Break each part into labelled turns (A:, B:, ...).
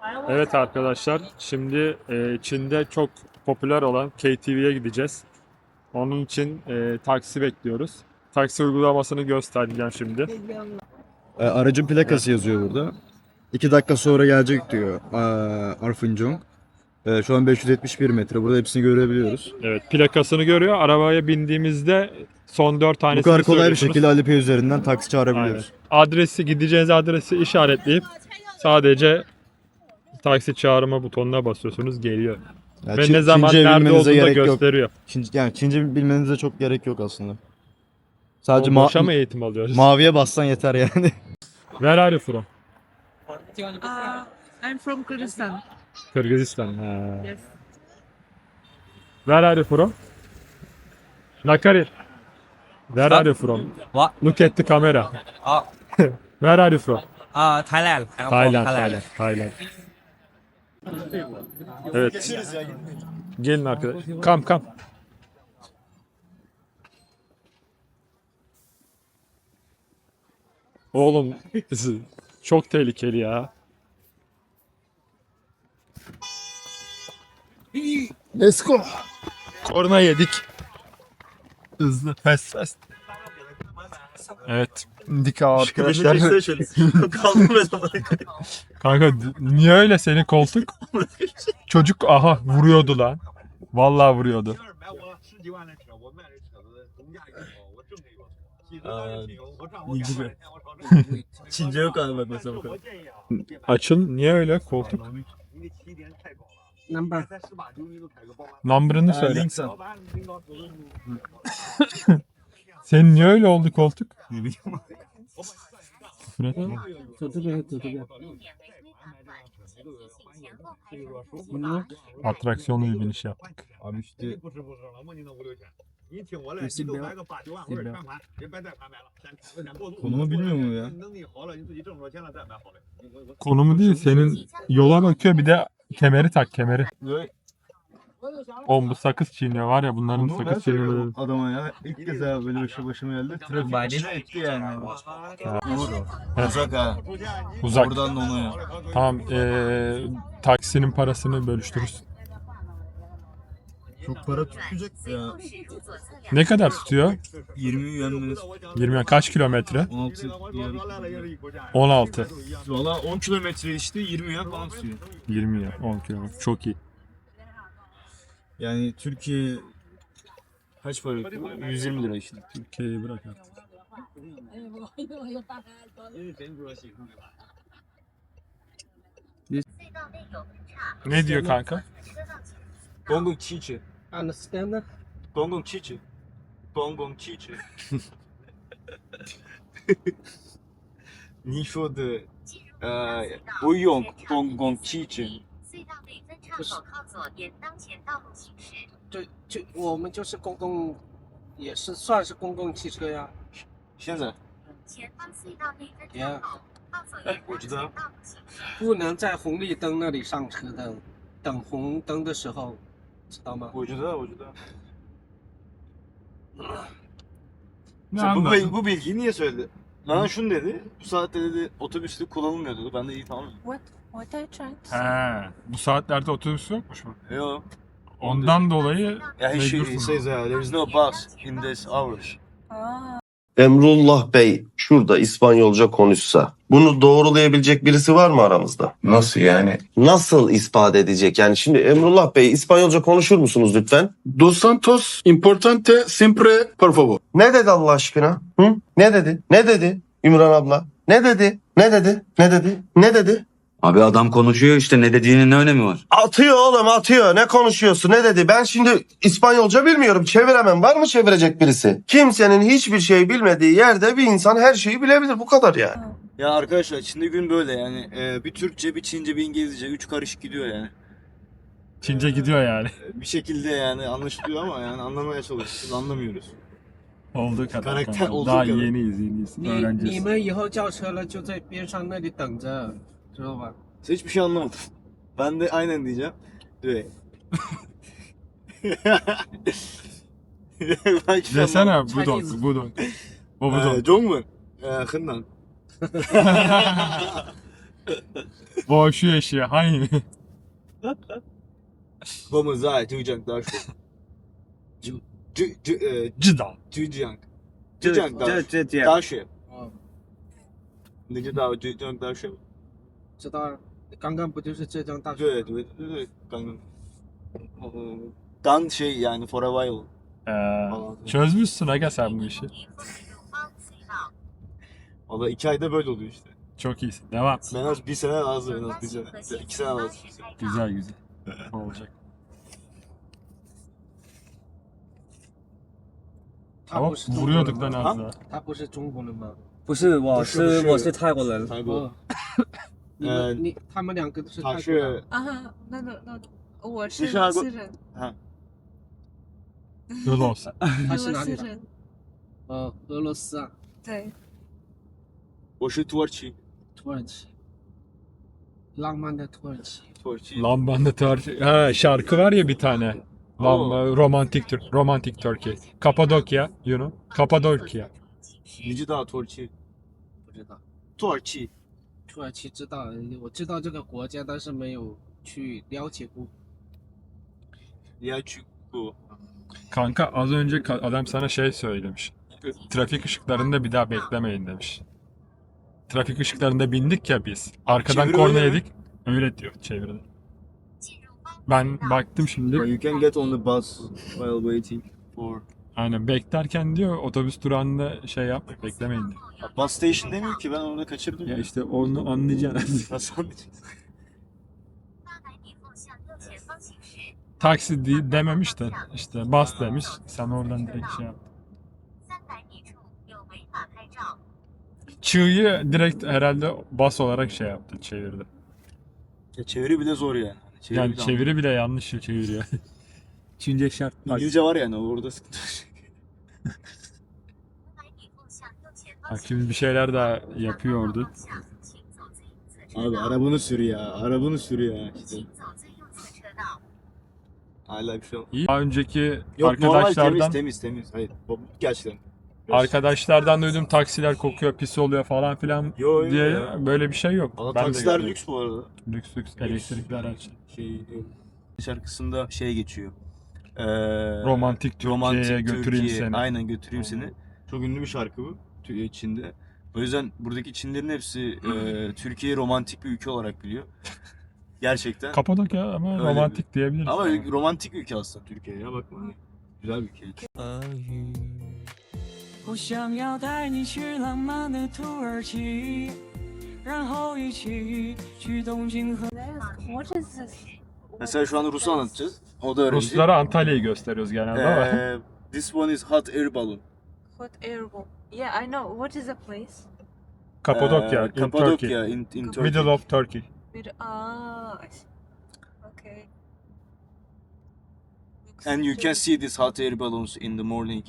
A: Evet arkadaşlar, şimdi Çin'de çok popüler olan KTV'ye gideceğiz. Onun için taksi bekliyoruz. Taksi uygulamasını göstereceğim şimdi.
B: Aracın plakası yazıyor burada. 2 dakika sonra gelecek diyor Arfunjong. Şu an 571 metre. Burada hepsini görebiliyoruz.
A: Evet, plakasını görüyor. Arabaya bindiğimizde son 4
B: Bu
A: tanesini
B: kadar kolay bir
A: söylüyorsunuz.
B: şekilde Alipay üzerinden taksi çağırabiliyoruz.
A: Aynen. Gideceğiniz adresi işaretleyip sadece taksi çağırma butonuna basıyorsunuz, geliyor.
B: Yani
A: Ve ne zaman
B: Çince
A: nerede
B: bilmenize
A: olduğunu da
B: gerek yok.
A: gösteriyor.
B: Çince bilmenize çok gerek yok aslında. Sadece
A: O boşa mı eğitim alıyoruz?
B: maviye bassan yeter yani.
A: Where are you from?
C: I'm from Kyrgyzstan.
A: Kırgızistan.
C: Yes.
A: Where are you from? Nakari. Where are you from?
D: What?
A: Look at the camera. Where are you from?
D: Thailand. I'm from
A: Thailand. Thailand. Evet. Gelin arkadaş. Come. Oğlum çok tehlikeli ya. Let's go. Korna yedik. Hızlı, fast. Evet. Dik arkadaşlar. Kanka niye öyle senin koltuk? Çocuk aha vuruyordu lan. Vallahi vuruyordu.
B: Çince yok abi mesela bu kadar.
A: Açın niye öyle koltuk?
C: Number.
A: Number'ını söyle. Senin niye öyle oldu koltuk? Küfür etme. Atraksiyonlu bir biniş yaptık.
B: Abi işte konumu bilmiyor mu ya?
A: Konumu değil, senin yola bakıyor, bir de kemeri tak, kemeri. Oğlum bu sakız çiğniyor var ya, bunların
B: Bunu ben
A: sakız
B: söylüyorum
A: çiğniyor.
B: adama ya. İlk kez abi böyle bir şey başıma geldi. Trafik içine etti yani. Doğru. Uzak ha.
A: Uzak.
B: Buradan da ona ya.
A: Tamam, taksinin parasını bölüştürürüz.
B: Çok para tutacak ya.
A: Ne kadar tutuyor?
B: 20 yuan
A: 20, kaç kilometre?
B: 16 yuan.
A: 16.
B: Valla 10 kilometre işte 20 yuan falan tutuyor.
A: 20 ya, 10 kilometre. Çok iyi.
B: Yani Türkiye kaç para yapıyor? 120 lira işte.
A: Türkiye'yi bırak artık. Ne diyor kanka?
B: Gong Çiçi.
C: Understand that?
B: Gong Çiçi. Gong Çiçi. 你说的不用公共汽车。
E: 隧道内分岔口靠左沿当前道路行驶。
C: 我们就是公共，也是算是公共汽车呀。
B: 现在
E: 前方隧道内分岔口靠左沿当前道路行驶。
C: 不能在红绿灯那里上车的，等红灯的时候，知道吗？
B: 我知道。
A: Ne anladın?
B: Bu bilgiyi niye söyledi? Bana şunu dedi. Bu saatte dedi otobüste kullanılmıyor dedi. Ben de iyi tamam.
E: What are you trying to
A: He, bu saatlerde otobüs yokmuş mu?
B: Yok.
A: Ondan dolayı
B: Yeah, he
A: mecbursun.
B: says there is no bus in this hours.
F: Emrullah Bey şurada İspanyolca konuşsa bunu doğrulayabilecek birisi var mı aramızda?
G: Nasıl yani?
F: Nasıl ispat edecek? Yani şimdi Emrullah Bey İspanyolca konuşur musunuz lütfen?
G: Dos Santos importante siempre por favor.
F: Ne dedi Allah aşkına? Hı? Ne dedi? Ne dedi Ümran abla? Ne dedi? Ne dedi? Ne dedi? Ne dedi?
H: Abi adam konuşuyor işte, ne dediğinin ne önemi var?
F: Atıyor oğlum atıyor. Ne konuşuyorsun? Ne dedi? Ben şimdi İspanyolca bilmiyorum. Çeviremem. Var mı çevirecek birisi? Kimsenin hiçbir şey bilmediği yerde bir insan her şeyi bilebilir. Bu kadar ya.
B: Ya arkadaşlar şimdi gün böyle yani. Bir Türkçe, bir Çince, bir İngilizce. 3 karışık gidiyor yani.
A: Çince gidiyor yani.
B: Bir şekilde yani anlaşılıyor ama yani anlamaya çalışıyoruz. Anlamıyoruz.
A: Olduğu kadar.
B: Karakter
A: kanka.
B: olduğu
A: Daha
B: kadar.
A: yeniyiz.
C: 你
A: Öğreneceğiz.
C: 们以后叫车了，就在边上那里等着，知道吧？
B: Hiçbir şey anlamadım. Ben de aynen diyeceğim. Evet.
A: Desene budon. O budon.
B: 中文，很难。
A: Boşu yaşıyor. Hangi?
B: 我们在浙江大学。
A: 知道。
B: 浙江大学。
C: 哦，
B: 你知道浙江大学吗？
C: 知道啊，刚刚不就是浙江大学？
B: 对，刚şey yani for a while.
A: Çözmüşsün aga sen bu işi.
E: 你和水路帮隧道。
B: Valla 2 ayda böyle oluyor işte.
A: Çok iyisin. Devam.
B: En az 1 sene lazım, en az 1 sene. 2 sene lazım.
A: Güzel güzel. Olacak.
C: 他
A: Ama
C: 不是中国人
A: vuruyorduk lan
C: 吗
A: az daha.
C: 他不是中国人吗？
D: 不是，
B: 不是
D: 我是泰国人。
B: 泰国。
C: 哦，他们两个都是泰
B: 他
C: 国人。
B: 是
I: 啊，那我是
B: 你是哪个
I: 私人，
A: Yol olsun.
C: 他
I: 俄
C: 是哪里的？
I: 罗斯人，
C: 俄罗斯啊，
I: 对，
B: 我是土耳其。
C: 土耳其，浪漫的土耳其。
B: 土耳其。
A: Lambandı tarih. Ha, şarkı var ya bir tane. Lamba, romantik Turkey. Kapadokya, you know. Kapadokya.
B: 你知道土耳其？
C: 不知道，
B: 土耳其。
C: 土耳其知道，我知道这个国家，但是没有去了解过。
B: bu.
A: Kanka az önce adam sana şey söylemiş. Trafik ışıklarında bir daha beklemeyin demiş. Trafik ışıklarında bindik ya biz. Arkadan
B: Çeviri
A: korna
B: öyle mi?
A: yedik. Öyle diyor çeviride. Ben baktım şimdi.
B: You can get on the bus while waiting for.
A: Aynen beklerken diyor otobüs durağında şey yap beklemeyin diyor.
B: Bus station demiyor ki, ben orada kaçırdım.
A: Ya işte onu anlayacaksın.
B: Nasıl anlayacaksın?
E: 800米后向右前方行驶。
A: Taksi dememiş de işte bas demiş. Sen oradan direkt şey yap.
E: 300米处有违法拍照。
A: Çığ'yı direkt herhalde bas olarak şey yaptı çevirdi.
B: Ya çeviri bile zor yani.
A: Yani
B: bile
A: çeviri bile yanlış çeviriyor. Çince şart.
B: İngilizce var yani, orada sıkıntı.
E: 500米后向右前方
A: Bak
E: 行
A: şimdi bir şeyler daha yapıyordu.
E: 驶。请走最右侧车
B: Abi
E: 道。
B: arabanı sür ya, arabanı sür ya işte.
E: 请走最右侧车道。
B: Hala bir şey olmaz.
A: İyi. Daha önceki
B: Yok normal
A: arkadaşlardan
B: temiz. Hayır gerçekten.
A: arkadaşlardan duydum taksiler kokuyor, pis oluyor falan filan
B: Yo,
A: diye
B: ya.
A: böyle bir şey yok.
B: Valla
A: Ben de
B: taksiler
A: gördüm.
B: lüks bu arada.
A: Lüks elektrikli araç.
B: Şarkısında şey geçiyor.
A: Romantik Türkiye'ye götüreyim
B: Türkiye.
A: seni.
B: Aynen götüreyim seni. Çok ünlü bir şarkı bu Çin'de. O yüzden buradaki Çinlerin hepsi Türkiye'yi romantik bir ülke olarak biliyor. Gerçekten.
A: Kapadokya ama
B: Öyle
A: romantik diyebiliriz.
B: Ama
A: yani.
B: romantik bir ülke aslında Türkiye ya, bakma. Güzel bir ülke.
J: 我想要带你去浪漫的土耳其，然后一起去东京和。
I: What is this?
B: Mesela şu an Rus'u anlatacağız. O da öğrenci.
A: Ruslara Antalya'yı gösteriyoruz genelde ama.
B: This one is hot air balloon.
I: Hot air balloon. Yeah, I know. What is the place?
A: Kapadokya, in Turkey.
B: Kapadokya in Turkey.
A: Middle of Turkey.
I: I see. Okay. Looks
B: And you can
I: good.
B: see these hot air balloons in the morning.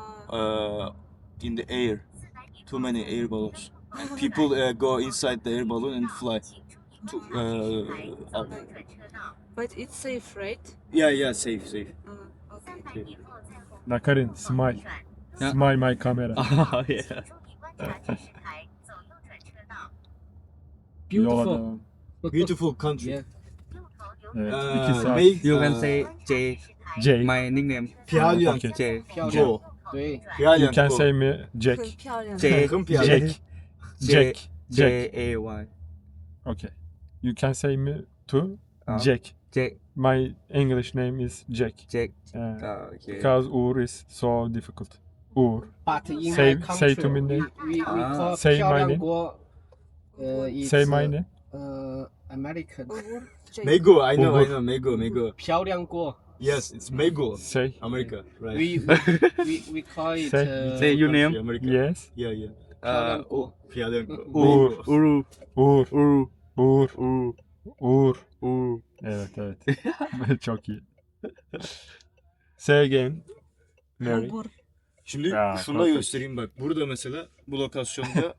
B: In the air. Too many air balloons. And people go inside the air balloon and fly. To, up.
E: 转车道。
I: But it's safe, right?
B: Yeah, safe.
I: Okay.
E: 300米后在后方
A: Nakarin, smile.
E: 转。
A: Smile my camera.
E: 请注意观察指示牌，走右转车道。
A: Yola
C: Beautiful.
A: devam.
B: Beautiful country.
C: Yeah.
E: 右头留
A: Evet,
B: 呃
A: 2 saat.
B: make-
D: You can say J.
A: J.
D: My nickname.
B: Pyongyang.
A: Okay.
D: J.
C: 漂亮。
B: Go.
C: 对，
A: You
B: Pyongyang
A: can
B: go.
A: say me Jack.
I: 很漂亮的。
D: J.
B: Bakın
A: Jack.
B: Pyongyang.
A: Jack.
D: J A Y.
A: Okay. You can say me to
D: Ah.
A: Jack.
D: J.
A: My English name is Jack.
D: Jack. Okay.
A: Because Uğur is so difficult. Uğur.
C: But in
A: Say-
C: my
A: say
C: country,
A: to me name.
C: we call
A: Say
C: 漂
A: my
C: 亮
A: name.
C: 国。it's
A: Say my name.
C: American。
I: Uğur, Jack.
B: Mego, I know,
A: Uğur.
B: Mego.
C: 漂亮国。
B: Yes, it's Mego.
A: Say.
B: America, right?
C: We call it.
A: Say-
D: Say your name.
B: America.
A: Yes.
B: Yeah.
C: 漂亮国。
B: Pyongyang.
A: Uğur.
D: Uru.
A: Uğur.
D: Uru.
A: Uğur.
D: Uru.
A: Uğur.
D: Uru.
A: Evet. Çok iyi. Say again. Mary.
I: Uğur.
B: Şimdi
A: Ya,
B: şunu da
A: perfect.
B: göstereyim bak. Burada mesela bu lokasyonda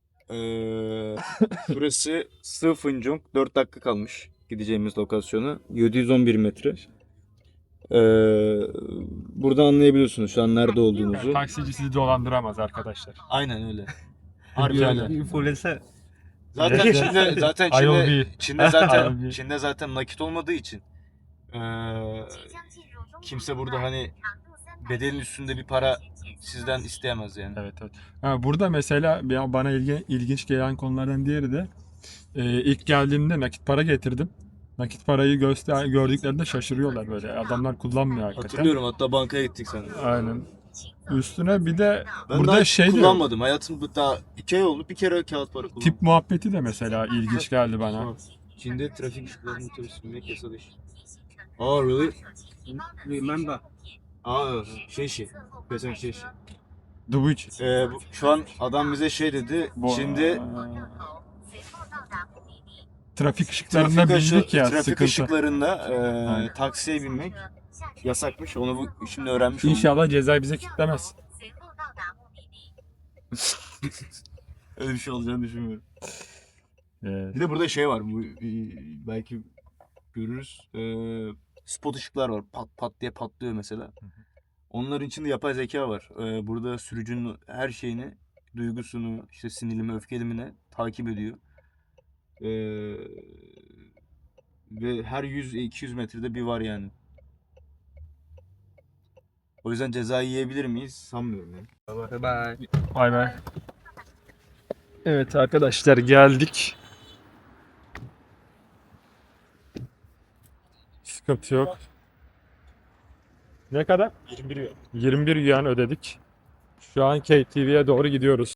B: burası Sıfıncong 4 dakika kalmış gideceğimiz lokasyona. 711 metre. Burada anlayabiliyorsunuz şu an nerede olduğumuzu.
A: Taksici sizi dolandıramaz arkadaşlar.
B: Aynen öyle. Harbi
A: Güzel.
B: öyle.
D: Influencer.
B: Zaten
A: Yes,
B: Çin'de zaten
A: I will be.
B: Çin'de zaten
A: I will be.
B: Çin'de zaten nakit olmadığı için kimse burada hani bedelin üstünde bir para sizden isteyemez yani.
A: Evet, evet. Ha, burada mesela bana ilginç gelen konulardan diğeri de ilk geldiğimde nakit para getirdim. Nakit parayı gördüklerinde şaşırıyorlar böyle. Adamlar kullanmıyor hakikaten.
B: Hatırlıyorum, hatta bankaya gittik sen.
A: Aynen. Üstüne bir de
B: Ben
A: burada
B: daha
A: şey de
B: kullanmadım. Hayatımda daha 2 ay oldu. Bir kere kağıt para kullandım.
A: tip muhabbeti de mesela ilginç geldi bana.
B: Çin'de trafik ışıklarını otobüs binmek yasalı iş. Oh really?
C: Remember.
B: Şey. Pesen şey.
A: Dubuç.
B: Şu an adam bize şey dedi. Çin'de
A: trafik ışıklarına bindik ya,
B: trafik
A: sıkıntı.
B: ışıklarında
A: Aynen.
B: taksiye binmek yasakmış. Onu şimdi öğrenmiş oldum.
A: İnşallah ceza bize kitlemez.
B: Öyle bir şey olacağını düşünmüyorum.
A: Evet.
B: Bir de burada şey var. Belki görürüz. Spot ışıklar var. Pat pat diye patlıyor mesela. Onların içinde yapay zeka var. Burada sürücünün her şeyini, duygusunu, işte sinirimi, öfkelimini takip ediyor. Ve her 100-200 metrede bir var yani. O yüzden cezayı yiyebilir miyiz? Sanmıyorum yani.
D: Bye bye.
A: Bay bay. Evet arkadaşlar, geldik. Sıkıntı yok. Ne kadar? 21 yuan. 21 yuan ödedik. Şu an KTV'ye doğru gidiyoruz.